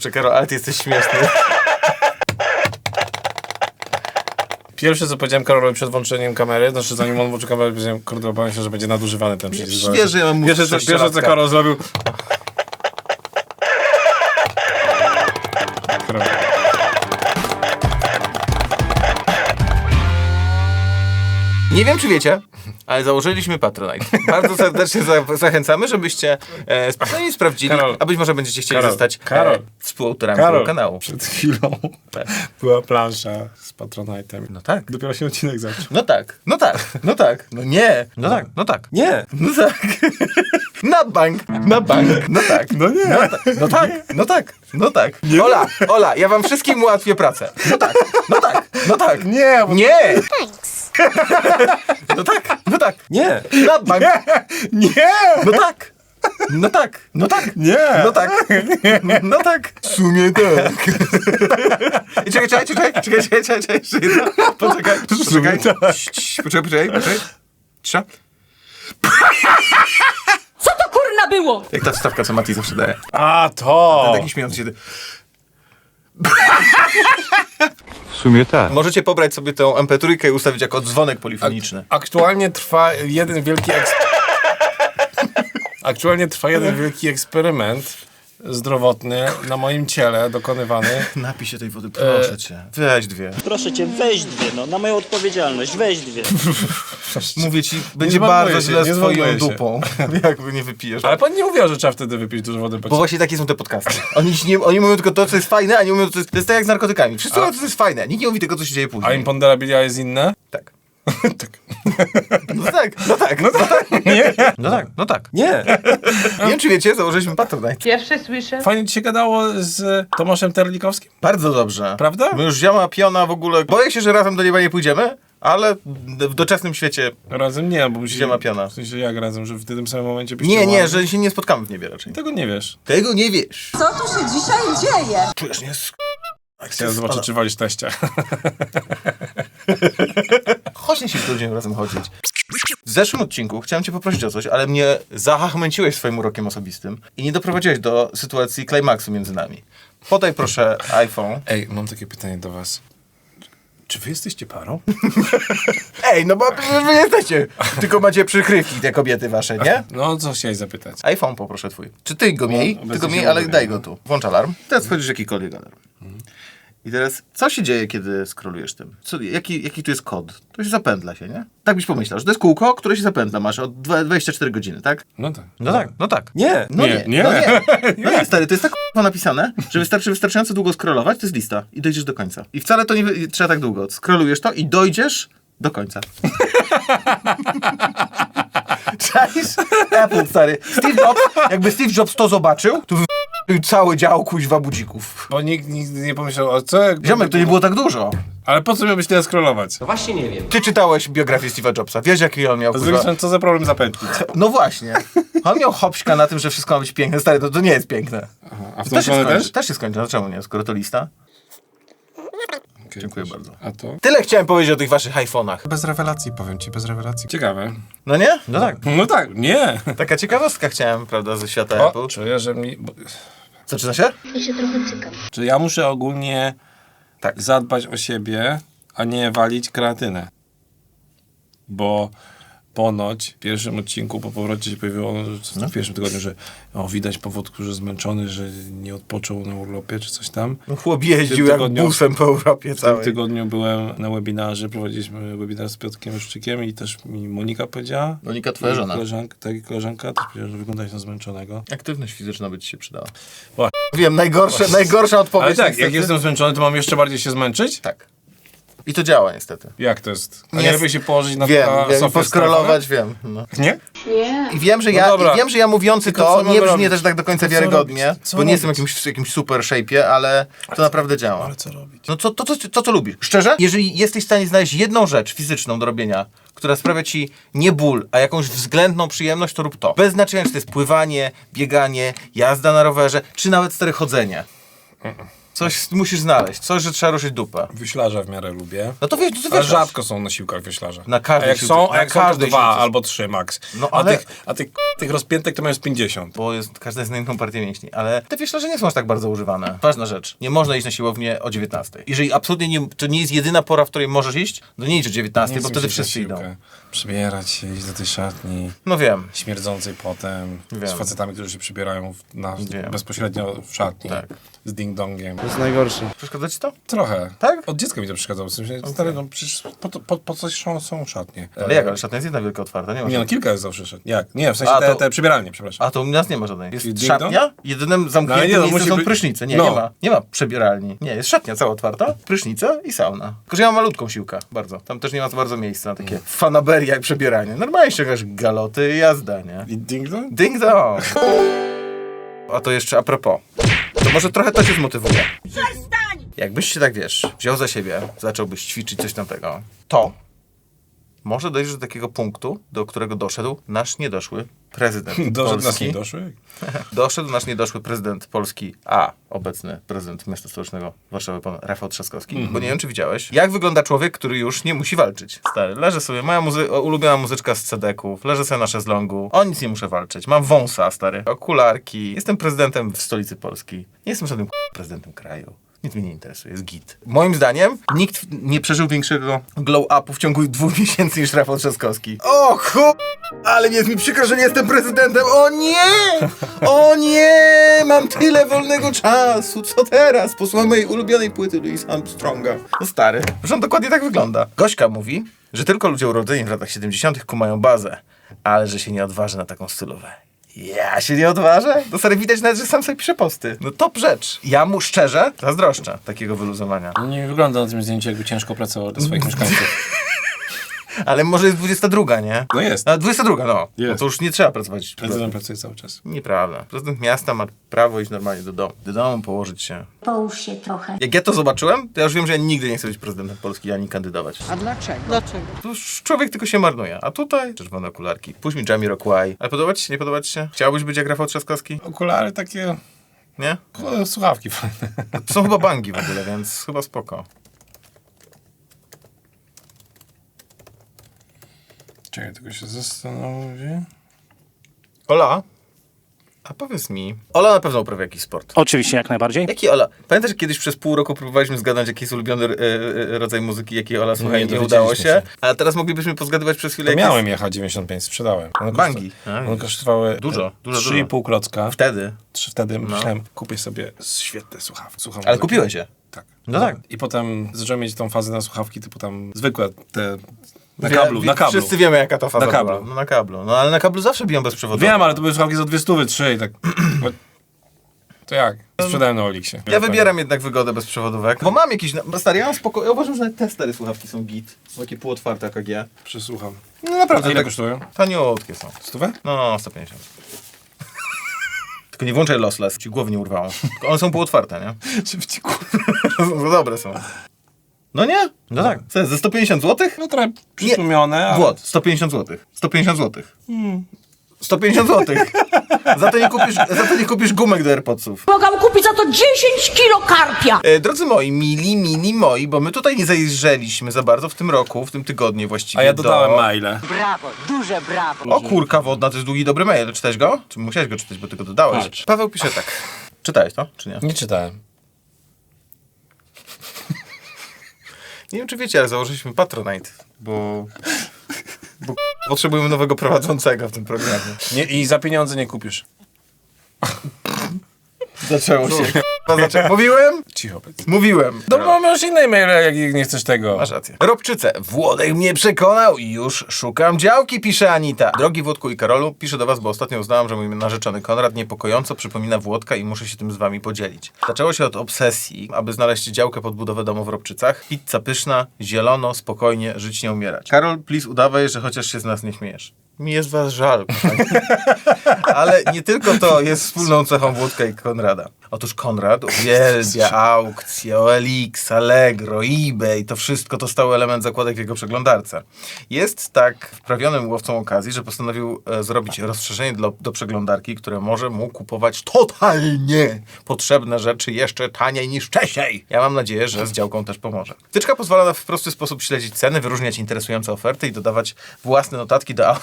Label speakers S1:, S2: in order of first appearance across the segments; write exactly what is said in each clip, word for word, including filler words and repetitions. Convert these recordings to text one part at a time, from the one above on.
S1: Kurczę, Karol, ale ty jesteś śmieszny.
S2: Pierwsze, co powiedziałem Karolowi przed włączeniem kamery, znaczy zanim on włączył kamerę, powiedziałem, kurde, obawiam się, że będzie nadużywany ten przycisk.
S1: Wiesz, że ja mam mózg
S2: Pierwsze, co, pierwsze, co
S1: sześciolatka.
S2: Karol zrobił... Karol.
S1: Nie wiem, czy wiecie, ale założyliśmy Patronite. Bardzo serdecznie za zachęcamy, żebyście e, spokojnie sprawdzili,
S2: Karol.
S1: a być może będziecie chcieli
S2: Karol.
S1: zostać
S2: Karol.
S1: E, współautorami
S2: Karol,
S1: tego kanału.
S2: przed chwilą
S1: Tak.
S2: była plansza z Patronite'em.
S1: No tak.
S2: Dopiero się odcinek zaczął.
S1: No tak, no tak, no tak, no nie, no tak, no tak, nie, no tak. Na bank, na bank, no tak.
S2: No nie.
S1: No, ta, no tak, no tak, no tak. Ola, Ola, ja wam wszystkim ułatwię pracę. No tak, no tak, no tak.
S2: Nie, bo...
S1: Nie! No tak, no tak. Nie. Na bank.
S2: Nie!
S1: No tak. No tak, no tak.
S2: Nie!
S1: No tak. No tak. W sumie tak. Czekaj, czekaj, czekaj, czekaj, czekaj, czekaj, czekaj, jeszcze jedno. Poczekaj, poczekaj.
S2: tak.
S1: Cii, cii, Poczekaj, poczekaj, poczekaj. Cisza.
S3: Co to kurna było?
S1: Jak ta wstawka, co Mati zawsze daje.
S2: A, to!
S1: Taki śmiejący się.
S4: W sumie tak.
S1: Możecie pobrać sobie tę em pe trzy i ustawić jako dzwonek polifoniczny.
S2: Aktualnie trwa jeden wielki eks... Aktualnie trwa jeden wielki eksperyment zdrowotny na moim ciele dokonywany.
S1: Napij się tej wody, proszę cię. Weź dwie.
S5: Proszę cię, weź dwie, no, na moją odpowiedzialność, weź dwie.
S1: Mówię ci, będzie
S2: zmarnuję
S1: bardzo
S2: się,
S1: źle
S2: nie
S1: z twoją
S2: zmarnuję się.
S1: dupą, jakby nie wypijesz.
S2: Ale pan nie mówił, że trzeba wtedy wypić dużo wody po
S1: Bo właśnie takie są te podcasty. Oni, ci nie, oni mówią tylko to, co jest fajne, a nie mówią to, co jest, to jest tak jak z narkotykami. Wszyscy mówią, co jest fajne, nikt nie mówi tego, co się dzieje
S2: A
S1: później.
S2: imponderabilia jest inne?
S1: Tak.
S2: Tak.
S1: No tak, no tak, no tak.
S2: Nie.
S1: No tak, no tak. Nie. Nie wiem, czy wiecie, założyliśmy Patronite.
S3: Pierwsze słyszę.
S2: Fajnie ci się gadało z Tomaszem Terlikowskim?
S1: Bardzo dobrze.
S2: Prawda?
S1: My już ziama, piona w ogóle. Boję się, że razem do nieba nie pójdziemy, ale w doczesnym świecie.
S2: Razem nie, bo musi...
S1: Ziemia piana.
S2: W sensie jak razem, że w tym samym momencie byście
S1: Nie, nie,
S2: łamali?
S1: że się nie spotkamy w niebie raczej.
S2: Tego nie wiesz.
S1: Tego nie wiesz.
S6: Co tu się dzisiaj dzieje?
S1: Czujesz, nie?
S2: Chciałem zobaczyć, czy walisz teścia.
S1: Chodź, nie się z ludziom razem chodzić. W zeszłym odcinku chciałem cię poprosić o coś, ale mnie zahachmęciłeś swoim urokiem osobistym i nie doprowadziłeś do sytuacji klimaksu między nami. Podaj proszę iPhone.
S2: Ej, mam takie pytanie do was. Czy wy jesteście parą?
S1: Ej, no bo przecież wy jesteście. Tylko macie przykrywki, te kobiety wasze, nie?
S2: No, co chciałeś zapytać?
S1: iPhone poproszę twój. Czy ty go miej?
S2: obecnie
S1: Ty go
S2: się
S1: miej, ale
S2: ładuje,
S1: daj
S2: no.
S1: go tu. Włącz alarm. Teraz wchodzisz jakikolwiek alarm. I teraz, co się dzieje, kiedy scrollujesz tym? Co, jaki, jaki tu jest kod? To się zapętla się, nie? Tak byś pomyślał, że to jest kółko, które się zapętla. Masz od dwadzieścia cztery godziny, tak?
S2: No tak.
S1: No tak, no tak. Nie, no
S2: Nie,
S1: nie,
S2: nie.
S1: no nie. No nie, stary, to jest tak k***a napisane, że wystarczy wystarczająco długo scrollować, to jest lista i dojdziesz do końca. I wcale to nie wy- trzeba tak długo. Scrollujesz to i dojdziesz do końca. Czaisz? Apple, stary. Steve Jobs, jakby Steve Jobs to zobaczył, to wy... cały dział kuźwa budzików.
S2: Bo nikt nigdy nie pomyślał, o co? Jak
S1: Ziomek, to nie było tak dużo.
S2: Ale po co miałbyś tyle scrollować?
S1: Ty czytałeś biografię Steve'a Jobsa, wiesz jaki on miał
S2: Z
S1: kuźwa...
S2: drugiej strony, co za problem zapętlić?
S1: No właśnie. On miał hopśka na tym, że wszystko ma być piękne. Stary, to, to nie jest piękne.
S2: A w
S1: To
S2: tą
S1: też się
S2: stronę
S1: skończy.
S2: też?
S1: Też się skończy. No czemu nie? Skoro to lista. Dziękuję bardzo.
S2: A to?
S1: Tyle chciałem powiedzieć o tych waszych iPhone'ach.
S2: Bez rewelacji, powiem ci, bez rewelacji. Ciekawe.
S1: No nie? No tak.
S2: No tak, nie.
S1: Taka ciekawostka chciałem, prawda, ze świata Apple.
S2: O, czuję, że mi... Bo...
S1: Zaczyna się?
S3: Ja się trochę cykam.
S2: Czy ja muszę ogólnie
S1: Tak.
S2: zadbać o siebie, a nie walić kreatynę? Bo ponoć w pierwszym odcinku po powrocie się pojawiło, no. w pierwszym tygodniu, że o, widać po wodku, że zmęczony, że nie odpoczął na urlopie czy coś tam.
S1: No chłop jeździł
S2: W
S1: jak
S2: tygodniu-
S1: busem po Europie
S2: W tym
S1: całej.
S2: tygodniu byłem na webinarze, prowadziliśmy webinar z Piotrkiem Szczykiem i też mi Monika powiedziała.
S1: Monika, twoja
S2: i
S1: żona.
S2: Koleżanka, tak, i koleżanka też powiedziała, że wyglądasz na zmęczonego.
S1: Aktywność fizyczna by ci się przydała.
S2: Ła.
S1: Wiem, najgorsze, najgorsza odpowiedź.
S2: Ale tak,
S1: niestety.
S2: jak jestem zmęczony, to mam jeszcze bardziej się zmęczyć?
S1: Tak. I to działa niestety.
S2: Jak to jest? A
S1: Nie
S2: nie
S1: jest-
S2: lepiej się położyć na
S1: Wiem,
S2: na
S1: wiem,
S2: sofie
S1: poskrolować, wiem. No.
S2: z Nie?
S3: Nie.
S1: I wiem, że
S2: No
S1: ja,
S2: dobra.
S1: i wiem, że ja mówiący
S2: Tylko
S1: to
S2: co mamy
S1: nie brzmi
S2: robić?
S1: też tak do końca
S2: To co
S1: wiarygodnie,
S2: robić? Co
S1: bo nie jestem w
S2: robić?
S1: jakimś, jakimś super shape'ie, ale to naprawdę działa.
S2: Ale co robić?
S1: No to, to, to, to, co lubisz? Szczerze? Jeżeli jesteś w stanie znaleźć jedną rzecz fizyczną do robienia, która sprawia ci nie ból, a jakąś względną przyjemność, to rób to. Bez znaczenia, czy to jest pływanie, bieganie, jazda na rowerze, czy nawet stare chodzenie. Coś musisz znaleźć, coś, że trzeba ruszyć dupę.
S2: Wyślarza w miarę lubię.
S1: No to wiesz, to
S2: Ale
S1: wiesz.
S2: rzadko są na siłkach wyślarza.
S1: Na każdej
S2: a jak
S1: siłce-
S2: są,
S1: na
S2: a jak są to
S1: każdej
S2: dwa
S1: siłce.
S2: albo trzy max.
S1: No,
S2: a
S1: ale-
S2: tych, a tych, tych rozpiętek to mają z pięćdziesiąt.
S1: Bo jest, każda jest na inną partię mięśni, ale te wieślarze nie są aż tak bardzo używane. Ważna rzecz, nie można iść na siłownię o dziewiętnastej. Jeżeli absolutnie nie, to nie jest jedyna pora, w której możesz iść, to nie idź o dziewiętnastej, bo wtedy wszyscy idą.
S2: Przebierać się, iść do tej szatni,
S1: No wiem.
S2: śmierdzącej potem,
S1: Wiem.
S2: z facetami, którzy się przybierają w, na,
S1: Wiem.
S2: bezpośrednio w szatni,
S1: Tak.
S2: z ding-dongiem.
S1: Przeszkadza ci to?
S2: Trochę.
S1: Tak?
S2: Od dziecka mi to przeszkadzało. W sensie, stary, no przecież po, to- po, po coś są, są szatnie.
S1: Ale jak, ale szatnia jest jedna wielka otwarta, nie ma.
S2: Nie no, kilka jest zawsze szatni. Jak? Nie, w sensie
S1: A,
S2: te,
S1: to-
S2: te przybieralnie, przepraszam.
S1: A to u nas nie ma żadnej. Jest
S2: Czyli ding
S1: szatnia, jedynym zamkniętym
S2: No, nie, no,
S1: miejscem
S2: musi
S1: są
S2: być-
S1: prysznice. Nie,
S2: no.
S1: nie ma. Nie ma przebieralni. Nie, jest szatnia cała otwarta, prysznica i sauna. Tylko, że ja mam malutką siłkę, bardzo. Tam też nie ma za bardzo miejsca na takie fanaberie jak przebieranie. Normalnie ściągasz galoty i jazda, nie?
S2: I ding-dong?
S1: Ding dong! A to jeszcze a propos. To może trochę to cię zmotywuje. Jakbyś się tak, wiesz, wziął za siebie, zacząłbyś ćwiczyć coś tamtego, to może dojść do takiego punktu, do którego doszedł nasz niedoszły prezydent
S2: Doszedł nas
S1: Polski.
S2: nie doszły?
S1: Doszedł nasz niedoszły prezydent Polski, a obecny prezydent miasta stołecznego Warszawy, pan Rafał Trzaskowski.
S2: Mhm.
S1: Bo nie wiem, czy widziałeś, jak wygląda człowiek, który już nie musi walczyć. Stary, leżę sobie, moja muzy- ulubiona muzyczka z cedeków, leżę sobie na szezlongu, o nic nie muszę walczyć. Mam wąsa, stary, okularki, jestem prezydentem w stolicy Polski. Nie jestem żadnym k- prezydentem kraju. Nic mnie nie interesuje, jest git. Moim zdaniem nikt nie przeżył większego glow-upu w ciągu dwóch miesięcy niż Rafał Trzaskowski. O chu... Ale jest mi przykro, że nie jestem prezydentem. O nie! O nie! Mam tyle wolnego czasu. Co teraz? Posłucham mojej ulubionej płyty Louis Armstronga. No stary, że on dokładnie tak wygląda. Gośka mówi, że tylko ludzie urodzeni w latach siedemdziesiątych kumają bazę, ale że się nie odważy na taką stylówę. Ja się nie odważę? No stary, widać nawet, że sam sobie pisze posty. No top rzecz. Ja mu szczerze zazdroszczę takiego wyluzowania.
S2: Nie wygląda na tym zdjęciu, jakby ciężko pracował dla swoich mieszkańców.
S1: Ale może jest dwudziesta druga, nie?
S2: No jest.
S1: A dwudziesta druga, no.
S2: Jest.
S1: No to już nie trzeba pracować.
S2: Prezydent pracuje cały czas.
S1: Nieprawda. Prezydent miasta ma prawo iść normalnie do domu. Do domu położyć się.
S6: Połóż się trochę.
S1: Jak ja to zobaczyłem, to ja już wiem, że ja nigdy nie chcę być prezydentem Polski ani kandydować.
S3: A dlaczego? Dlaczego?
S1: To już człowiek tylko się marnuje. A tutaj czerwone okularki. Puść mi Jamiroquai. Ale podoba ci się? Nie podoba ci się? Chciałbyś być jak Rafał Trzaskowski?
S2: Okulary takie...
S1: Nie?
S2: o, słuchawki fajne.
S1: To są chyba bangi w ogóle, więc chyba spoko.
S2: Czekaj, tylko się zastanowię.
S1: Ola? A powiedz mi. Ola na pewno uprawia jakiś sport.
S5: Oczywiście, jak najbardziej.
S1: Jaki Ola? Pamiętasz, że kiedyś przez pół roku próbowaliśmy zgadnąć, jaki jest ulubiony e, e, rodzaj muzyki, jaki Ola słucha
S2: Nie
S1: i nie udało
S2: dowiedzieliśmy
S1: się.
S2: się.
S1: A teraz moglibyśmy pozgadywać przez chwilę,
S2: To
S1: jaki
S2: miałem jechać dziewięćdziesiąt pięć, sprzedałem. One
S1: Bangi.
S2: kosztowały-
S1: A,
S2: One
S1: widzisz.
S2: kosztowały
S1: Dużo, dużo,
S2: trzy i pół klocka.
S1: jest wtedy.
S2: Trzy wtedy myślałem, kupię sobie świetne słuchawki. Słucham
S1: Ale
S2: muzyki.
S1: kupiłeś je.
S2: Tak.
S1: No tak.
S2: I potem zacząłem mieć tą fazę na słuchawki, typu tam zwykłe te... Na
S1: Wie-
S2: kablu,
S1: wie-
S2: na kablu.
S1: Wszyscy wiemy, jaka to faza
S2: Na kablu.
S1: była. No na kablu. No ale na kablu zawsze biją bez przewodu.
S2: Wiem, ale to były słuchawki za dwie stówy, trzy i tak... To jak? Sprzedałem na Oliksie.
S1: Ja wybieram jednak wygodę bez przewodówek. Bo mam jakieś... No, stary, ja mam spoko... Ja uważam, że nawet te stare słuchawki są git. Są takie półotwarte A K G.
S2: Przesłucham.
S1: No naprawdę.
S2: A ile
S1: tak
S2: kosztują?
S1: taniutkie są.
S2: Stówę?
S1: No, no, sto pięćdziesiąt. Tylko nie włączaj lossless, ci głowy nie urwało. Tylko one są półotwarte, nie? No dobre są. No nie? No tak. Co, ze sto pięćdziesiąt złotych?
S2: No trochę przytłumione, ale...
S1: Włod, sto pięćdziesiąt złotych. sto pięćdziesiąt złotych. sto pięćdziesiąt złotych. Za to nie kupisz, za to nie kupisz gumek do AirPodsów.
S3: Mogłam kupić za to dziesięć kilo karpia.
S1: E, drodzy moi, mili, mili moi, bo my tutaj nie zajrzeliśmy za bardzo w tym roku, w tym tygodniu właściwie.
S2: A ja dodałem
S1: do...
S2: maile.
S6: Brawo, duże brawo.
S1: O kurka wodna, to jest długi, dobry mail. Czytałeś go? Czy musiałeś go czytać, bo ty go dodałeś?
S2: Patrz.
S1: Paweł pisze tak. Czytałeś to, czy nie?
S2: Nie czytałem.
S1: Nie wiem, czy wiecie, ale założyliśmy Patronite, bo... bo potrzebujemy nowego prowadzącego w tym programie.
S2: Nie, i za pieniądze nie kupisz.
S1: Zaczęło się. Zaczę... Mówiłem?
S2: Cicho powiedz.
S1: Mówiłem.
S2: No bo masz inne maile, jak nie chcesz tego.
S1: Masz rację. Robczyce. Włodek mnie przekonał i już szukam działki, pisze Anita. Drogi Włodku i Karolu, piszę do was, bo ostatnio uznałam, że mój narzeczony Konrad niepokojąco przypomina Włodka i muszę się tym z wami podzielić. Zaczęło się od obsesji, aby znaleźć działkę pod budowę domu w Robczycach. Pizza pyszna, zielono, spokojnie, żyć nie umierać. Karol, please udawaj, że chociaż się z nas nie śmiejesz. Mi jest was żal. Ale nie tylko to jest wspólną cechą Włodka i Konrada. Otóż Konrad uwielbia aukcje, O L X, Allegro, eBay, to wszystko to stały element zakładek w jego przeglądarce. Jest tak wprawionym łowcą okazji, że postanowił e, zrobić rozszerzenie do, do przeglądarki, które może mu kupować totalnie potrzebne rzeczy jeszcze taniej niż wcześniej. Ja mam nadzieję, że z działką też pomoże. Wtyczka pozwala na w prosty sposób śledzić ceny, wyróżniać interesujące oferty i dodawać własne notatki do...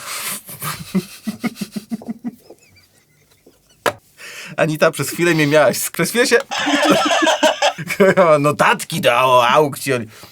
S1: Anita, przez chwilę mnie miałaś. Przez chwilę się... Notatki do aukcji.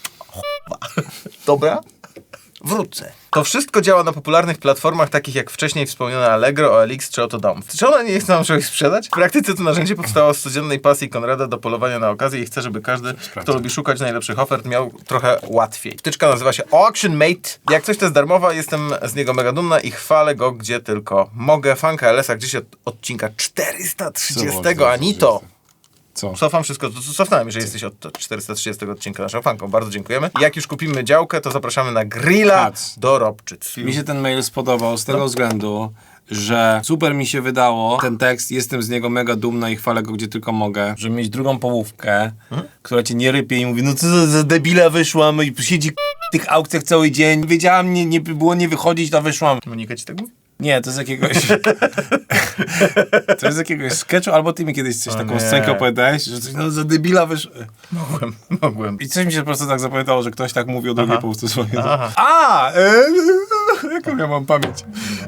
S1: Dobra? Wrócę. To wszystko działa na popularnych platformach takich jak wcześniej wspomniane Allegro, O L X czy Oto Dom. Czy ona nie chce nam czegoś sprzedać? W praktyce to narzędzie powstało z codziennej pasji Konrada do polowania na okazję i chce, żeby każdy, kto lubi szukać najlepszych ofert, miał trochę łatwiej. Wtyczka nazywa się Auction Mate. Jak coś to jest darmowa, jestem z niego mega dumna i chwalę go gdzie tylko mogę. Fanka L S-a gdzieś od odcinka czterysta trzydziestego. Anito!
S2: Co?
S1: Cofam wszystko, to cofnąłem, jeżeli jesteś od czterysta trzydziestego odcinka naszą fanką. Bardzo dziękujemy. Jak już kupimy działkę, to zapraszamy na grilla
S2: Kac.
S1: do Robczyc.
S2: Mi się ten mail spodobał z tego no. względu, że super mi się wydało ten tekst, jestem z niego mega dumna i chwalę go gdzie tylko mogę, żeby mieć drugą połówkę, hmm? która cię nie rypie i mówi, no co za, za debila wyszłam i siedzi w tych aukcjach cały dzień, wiedziałam, nie, nie było nie wychodzić, to wyszłam.
S1: Monika ci tak mówi?
S2: Nie, to z jakiegoś... to jest z jakiegoś sketchu, albo ty mi kiedyś coś
S1: O
S2: taką
S1: nie.
S2: scenkę opowiadałeś, że coś no, za debila wyszło.
S1: Mogłem, mogłem.
S2: I coś mi się po prostu tak zapamiętało, że ktoś tak mówi o drugiej
S1: Aha.
S2: połówce swojej.
S1: Aha.
S2: A! E, jaką ja mam pamięć?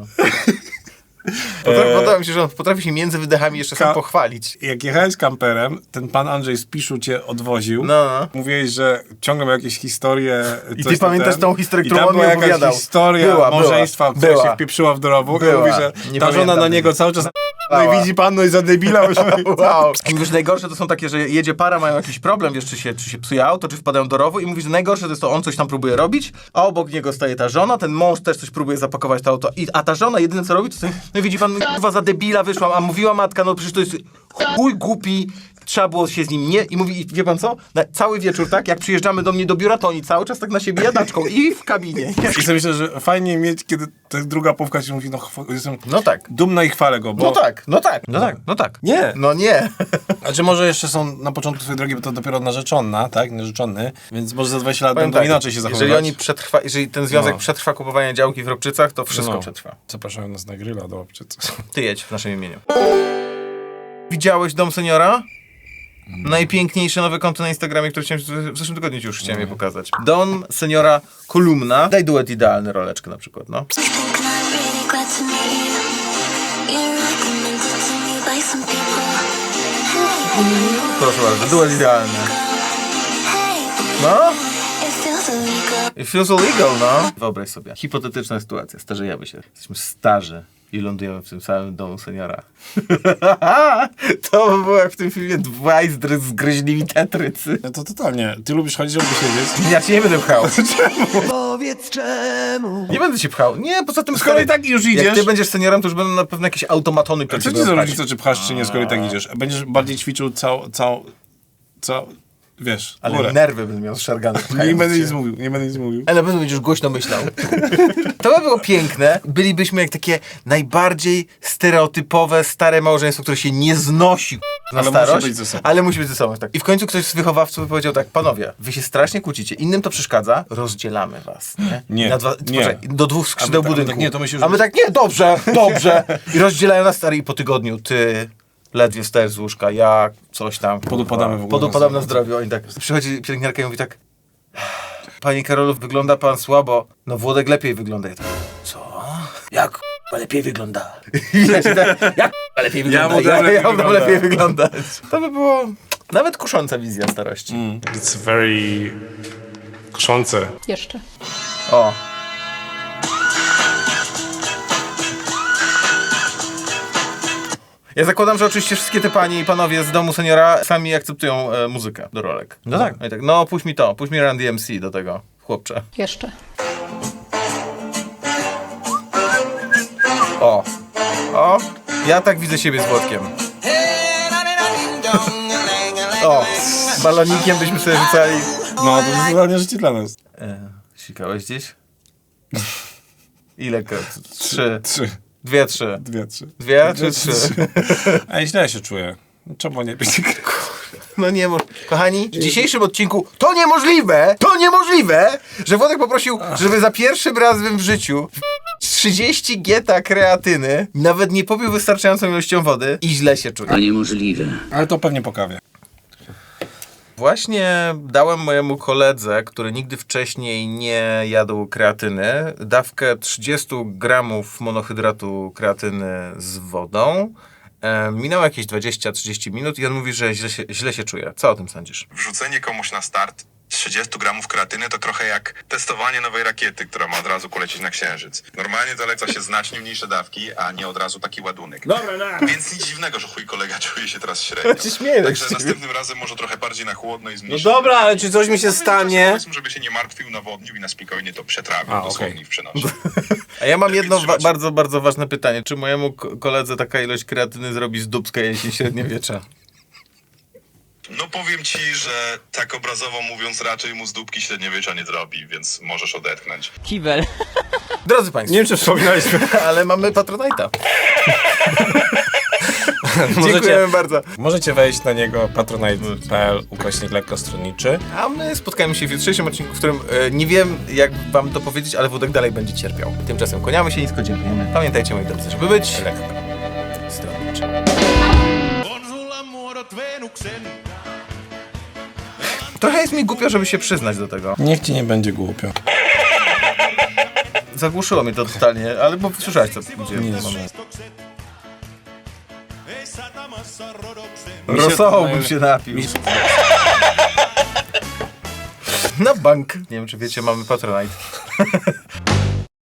S1: Potrafi, Podoba mi się, że on potrafi się między wydechami jeszcze
S2: Ka-
S1: sam pochwalić.
S2: Jak jechałeś kamperem, ten pan Andrzej z Piszu cię odwoził.
S1: No, no.
S2: Mówiłeś, że ciągle miał jakieś historie.
S1: I
S2: coś
S1: ty
S2: tam
S1: pamiętasz
S2: ten.
S1: tą historię,
S2: I
S1: którą
S2: tam
S1: on mi
S2: była jakaś
S1: opowiadał.
S2: historia
S1: Była,
S2: małżeństwa,
S1: była,
S2: która
S1: była.
S2: się wpieprzyła w dorobóg.
S1: Była.
S2: I mówi, że
S1: Nie
S2: ta żona
S1: pamiętam
S2: na
S1: tego.
S2: niego cały czas no i widzi pan, no i za debila.
S1: Wow. I mówisz, najgorsze to są takie, że jedzie para, mają jakiś problem, wiesz, czy się, czy się psuje auto, czy wpadają do rowu i mówisz, że najgorsze to jest to, on coś tam próbuje robić, a obok niego staje ta żona, ten mąż też coś próbuje zapakować to auto, i, a ta żona jedyne co robi, to sobie, no i widzi pan, kurwa, za debila wyszłam, a mówiła matka, no przecież to jest chuj głupi, trzeba było się z nim nie... I mówi, i wie pan co? Na cały wieczór, tak, jak przyjeżdżamy do mnie do biura, to oni cały czas tak na siebie jadaczką i w kabinie.
S2: I sobie myślę, że fajnie mieć, kiedy ta druga połówka ci mówi, no chwa- jestem
S1: No tak.
S2: dumna i chwalę go, bo...
S1: No tak, no tak, no tak, no tak.
S2: Nie.
S1: No nie.
S2: A czy może jeszcze są na początku swojej drogi, bo to dopiero narzeczona, tak? Narzeczony, więc może za dwadzieścia lat
S1: Powiem
S2: będą
S1: tak,
S2: inaczej się zachowywać.
S1: Jeżeli oni przetrwa, jeżeli ten związek
S2: No.
S1: przetrwa kupowanie działki w Robczycach, to wszystko
S2: No.
S1: przetrwa.
S2: Zapraszają nas na grilla do obczycy.
S1: Ty jedź w naszym imieniu. Widziałeś Dom Seniora? Najpiękniejsze nowe konto na Instagramie, które chciałem w zeszłym tygodniu ci już chciałem je pokazać. Dom Seniora kolumna. Daj duet idealny, roleczkę na przykład, no. Proszę bardzo, duet idealny. No? It feels illegal, no. Wyobraź sobie, hipotetyczna sytuacja, starzejemy się. Jesteśmy starzy i lądujemy w tym samym domu seniora. To by było jak w tym filmie dwaj zdry- zgryźliwi tetrycy.
S2: No to totalnie. Ty lubisz chodzić, żeby siedzieć?
S1: Ja cię nie będę pchał.
S7: Powiedz czemu.
S1: Nie będę cię pchał. Nie, poza tym...
S2: Skoro i tak już idziesz.
S1: Jak ty będziesz seniorem, to już będą na pewno jakieś automatony.
S2: A co ci za różnica, czy pchasz, czy nie, skoro i tak idziesz? Będziesz bardziej ćwiczył cał... cał... cał... wiesz,
S1: Ale
S2: górę.
S1: nerwy będę miał zszargane.
S2: Nie będę nic mówił, nie będę nic mówił.
S1: Ale na pewno będziesz głośno myślał. To by było piękne. Bylibyśmy jak takie najbardziej stereotypowe, stare małżeństwo, które się nie znosi na
S2: Ale
S1: starość.
S2: musi być ze sobą.
S1: Ale musi być ze sobą, tak. I w końcu ktoś z wychowawców by powiedział tak, panowie, wy się strasznie kłócicie, innym to przeszkadza, rozdzielamy was. Nie.
S2: Nie,
S1: Na dwa,
S2: nie.
S1: Poczekaj, do dwóch skrzydeł
S2: A my tak-
S1: budynku.
S2: tak nie, to myślisz,
S1: A
S2: że-
S1: my tak, nie, dobrze, dobrze. I rozdzielają nas stary i po tygodniu, ty... Ledwie wstajesz z łóżka, ja coś tam.
S2: Podupadamy w ogóle
S1: Podupadamy
S2: na
S1: na zdrowiu. Oni tak. Przychodzi pielęgniarka i mówi tak. Panie Karolu, wygląda pan słabo. No Włodek lepiej wygląda. Ja tak, co? Jak k***a lepiej wygląda? Ja się tak, jak k***a lepiej wygląda?
S2: mu dam
S1: Ja,
S2: lepiej
S1: ja mu dam
S2: wygląda.
S1: lepiej wyglądać. To by było nawet kusząca wizja starości.
S8: It's very kuszące.
S3: Jeszcze.
S1: O. Ja zakładam, że oczywiście wszystkie te panie i panowie z domu seniora sami akceptują e, muzykę do rolek. No tak. No, i tak. No puść mi to, puść mi Run D M C do tego, chłopcze.
S3: Jeszcze.
S1: O. O. Ja tak widzę siebie z Włodkiem. O. Balonikiem byśmy sobie rzucali.
S2: No, to jest totalnie życie dla nas.
S1: E, sikałeś gdzieś? Ile? Trzy.
S2: Trzy.
S1: Dwie, trzy.
S2: Dwie, trzy.
S1: Dwie czy trzy?
S2: A źle się czuję. Czemu nie pić?
S1: No nie może. Kochani, w dzisiejszym odcinku to niemożliwe, to niemożliwe, że Włodek poprosił, żeby za pierwszym razem w życiu trzydzieści geta kreatyny, nawet nie popił wystarczającą ilością wody i źle się czuje.
S6: A niemożliwe.
S2: Ale to pewnie po kawie.
S1: Właśnie dałem mojemu koledze, który nigdy wcześniej nie jadł kreatyny, dawkę trzydzieści gramów monohydratu kreatyny z wodą. E, minęło jakieś dwadzieścia trzydzieści minut i on mówi, że źle się, źle się czuje. Co o tym sądzisz?
S9: Wrzucenie komuś na start trzydzieści gramów kreatyny to trochę jak testowanie nowej rakiety, która ma od razu polecieć na Księżyc. Normalnie zaleca się znacznie mniejsze dawki, a nie od razu taki ładunek. Dobra, Więc nic dziwnego, że chuj kolega czuje się teraz średnio.
S1: Ja się śmieję
S9: Także
S1: z ciebie.
S9: następnym razem może trochę bardziej na chłodno i
S2: No
S9: zmniejszyć.
S2: dobra, ale czy coś mi się stanie?
S9: Powiedzmy, żeby się nie martwił, nawodnił i na spokojnie to przetrawił,
S2: A,
S9: dosłownie
S2: okej.
S9: w przenosie.
S1: A ja mam jedno wa-
S9: Trzymać.
S1: bardzo, bardzo ważne pytanie. Czy mojemu ko- koledze taka ilość kreatyny zrobi z dupska jesień średniowiecza?
S9: No powiem ci, że tak obrazowo mówiąc raczej mu z dupki średniowiecza nie zrobi, więc możesz odetchnąć.
S3: Kiwel.
S1: Drodzy Państwo,
S2: Nie wiem, czy wspominaliśmy.
S1: ale mamy Patronite'a.
S2: Możecie-
S1: Dziękujemy bardzo.
S2: Możecie wejść na niego patronite.pl ukośnik lekkostronniczy.
S1: A my spotkamy się w jutrzejszym odcinku, w którym e, nie wiem, jak wam to powiedzieć, ale Wódek dalej będzie cierpiał. Tymczasem kłaniamy się nisko, dziękujemy. Pamiętajcie, moi drodzy, żeby być
S2: Lekko.
S1: stronniczy. Trochę jest mi głupio, żeby się przyznać do tego.
S2: Niech ci nie będzie głupio.
S1: Zagłuszyło mnie to totalnie, ale bo słyszałeś, co gdzie
S2: Nic.
S1: mamy. Rosołu bym się napił. Na bank. Nie wiem, czy wiecie, mamy Patronite.